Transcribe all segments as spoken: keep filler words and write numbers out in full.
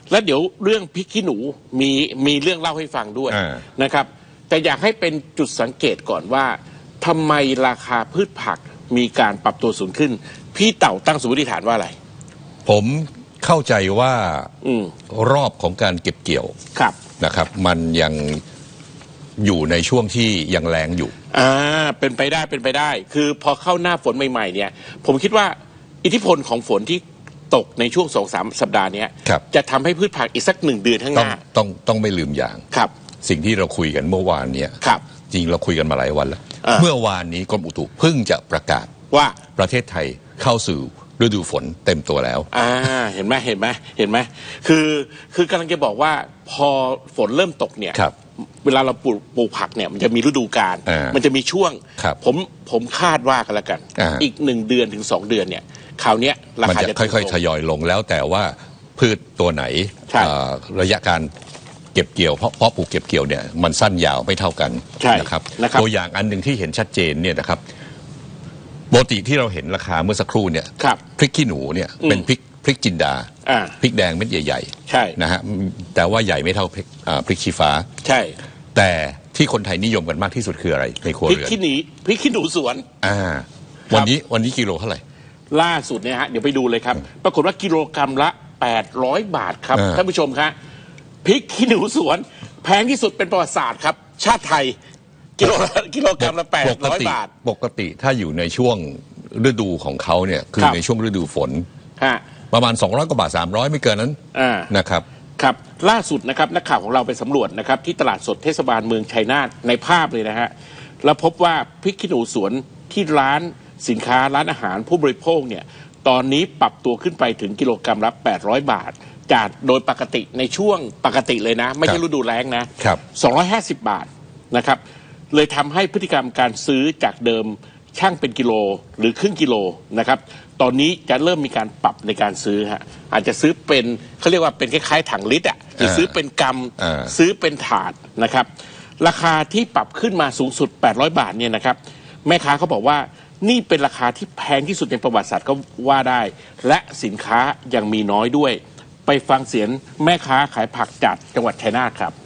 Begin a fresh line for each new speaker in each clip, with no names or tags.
แล้วเดี๋ยวเรื่องพริกขี้หนูมีมีเรื่องเล่าให้ฟังด้วยนะครับแต่อยากให้เป็นจุดสังเกตก่อนว่าทำไมราคาพืชผักมีการปรับตัวสูงขึ้นพี่เต่าตั้งสมมติฐานว่าอะไร
ผมเข้าใจว่าอรอบของการเก็บเกี่ยวนะครับมันยังอยู่ในช่วงที่ยังแรงอยู่
อ่าเป็นไปได้เป็นไปได้คือพอเข้าหน้าฝนใหม่ๆเนี่ยผมคิดว่าอิทธิพลของฝนที่ตกในช่วงสองสามสัปดาห์นี้จะทำให้พืชผักอีกสักหนึ่งเดือนข้างหน้า
ต้องต้องไม่ลืมอย่าง
ครับ
สิ่งที่เราคุยกันเมื่อวานเนี่ยจริงเราคุยกันมาหลายวันแล้วเมื่อวานนี้กรมอุตุเพิ่งจะประกาศ
ว่า
ประเทศไทยเข้าสู่ฤดูฝนเต็มตัวแล้ว
อ่าเห็นไหมเห็นไหมเห็นไหมคือคือกำลังจะบอกว่าพอฝนเริ่มตกเนี่ยเวลาเราปลูกปลูกผักเนี่ยมันจะมีฤดูกาลมันจะมีช่วงผมผมคาดว่ากันแล้วกันอีกหนึ่งเดือนถึงสองเดือนเนี่ยคราวนี้ราคาจะ
ค่อยๆทยอยลงแล้วแต่ว่าพืชตัวไหนระยะการเก็บเกี่ยวเพราะเพราะปลูกเก็บเกี่ยวเนี่ยมันสั้นยาวไม่เท่ากันนะครับตัวอย่างอันหนึ่งที่เห็นชัดเจนเนี่ยนะครับปกติที่เราเห็นราคาเมื่อสักครู่เนี่ยพริกขี้หนูเนี่ยเป็นพริกพริกจินดาพริกแดงเม็ดใหญ่ๆนะฮะแต่ว่าใหญ่ไม่เท่าพริกพริกชี้ฟ้า
ใช่
แต่ที่คนไทยนิยมกันมากที่สุดคืออะไรในครัวเรือน
พริกขี้หนีพริกขี้หนูสวน
อ่าวันนี้วันนี้กิโลเท่าไหร่
ล่าสุดเนี่ยฮะเดี๋ยวไปดูเลยครับปรากฏว่ากิโลกรัมละแปดร้อยบาทครับท่านผู้ชมครับพริกขี้หนูสวนแพงที่สุดเป็นประวัติศาสตร์ครับชาติไทยกิโลกิโลกรัมละแปดร้อยบาท
ปกติถ้าอยู่ในช่วงฤดูของเขาเนี่ยคือในช่วงฤดูฝนประมาณสองร้อยกว่าบาทสามร้อยไม่เกินนั้นนะครับ
ครับล่าสุดนะครับนักข่าวของเราไปสำรวจนะครับที่ตลาดสดเทศบาลเมืองชัยนาทในภาพเลยนะฮะแล้วพบว่าพริกขี้หนูสวนที่ร้านสินค้าร้านอาหารผู้บริโภคเนี่ยตอนนี้ปรับตัวขึ้นไปถึงกิโลกรัมละแปดร้อยบาทจากโดยปกติในช่วงปกติเลยนะไม่ใช่ฤดูแล้งนะสองร้อยห้าสิบบาทนะครับเลยทำให้พฤติกรรมการซื้อจากเดิมช่างเป็นกิโลหรือครึ่งกิโลนะครับตอนนี้จะเริ่มมีการปรับในการซื้อฮะอาจจะซื้อเป็นเขาเรียกว่าเป็นคล้ายๆถังลิตรอ่ะหรือซื้อเป็นกำซื้อเป็นถาดนะครับราคาที่ปรับขึ้นมาสูงสุดแปดร้อยบาทเนี่ยนะครับแม่ค้าเขาบอกว่านี่เป็นราคาที่แพงที่สุดในประวัติศาสตร์ก็ว่าได้และสินค้ายังมีน้อยด้วยไปฟังเสียงแม่ค้าขายผักจากจังหวัดชัยนาทครับ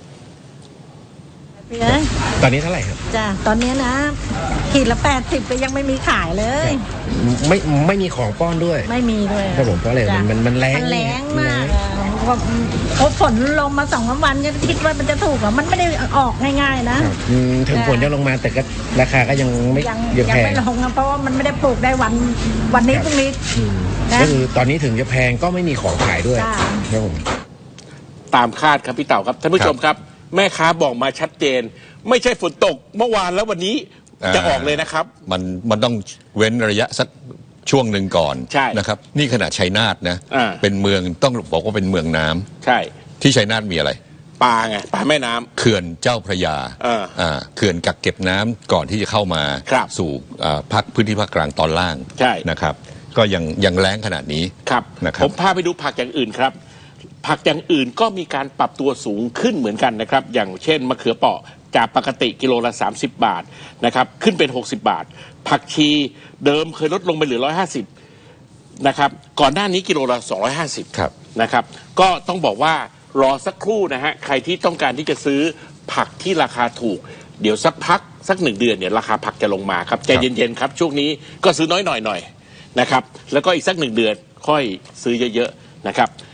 ตอนนี้เท่าไหร่ครับ
จ้ะตอนนี้นะขีดละแปดสิบก็ยังไม่มีขายเลย
ไม่ไม่มีของป้อนด้วย
ไม่มีด้วย
ครับผมเพราะอะไรมันมันมันแรง
มันแรงมากพอฝนลงมาสองวันก็คิดว่ามันจะถูกหรอมันไม่ได้ออกง่ายๆนะ
ถึงฝนจะลงมาแต่ก็ราคาก็ยังไม่
ยังไม่ลงเพราะว่ามันไม่ได้ปลูกได้วันวันนี้พรุ่งนี้
ก็คือตอนนี้ถึงจะแพงก็ไม่มีของขายด้วยครับผม
ตามคาดครับพี่เต่าครับท่านผู้ชมครับแม่ค้าบอกมาชัดเจนไม่ใช่ฝนตกเมื่อวานแล้ววันนี้จะออกเลยนะครับ
มันมันต้องเว้นระยะสักช่วงหนึ่งก่อนนะครับนี่ขณะชัยนาทนะเป็นเมืองต้องบอกว่าเป็นเมืองน้ำ
ใช่
ที่ชัยนาทมีอะไร
ปลาไงปลาแม่น้ำ
เขื่อนเจ้าพระยาเขื่อนกักเก็บน้ำก่อนที่จะเข้ามาสู่ภาคพื้นที่ภาคกลางตอนล่างนะครับก็ยังยังแล้งขนาดนี้
ครับผมพาไปดูผักอย่างอื่นครับผักอย่างอื่นก็มีการปรับตัวสูงขึ้นเหมือนกันนะครับอย่างเช่นมะเขือเปราะจากปกติกิโลละสามสิบบาทนะครับขึ้นเป็นหกสิบบาทผักชีเดิมเคยลดลงไปเหลือหนึ่งร้อยห้าสิบนะครับก่อนหน้านี้กิโลละสองร้อยห้าสิบนะครับก็ต้องบอกว่ารอสักครู่นะฮะใครที่ต้องการที่จะซื้อผักที่ราคาถูกเดี๋ยวสักพักสักหนึ่งเดือนเนี่ยราคาผักจะลงมาครับใจเย็นๆครับช่วงนี้ก็ซื้อน้อยๆหน่อยนะครับแล้วก็อีกสักหนึ่งเดือนค่อยซื้อเยอะๆนะครับ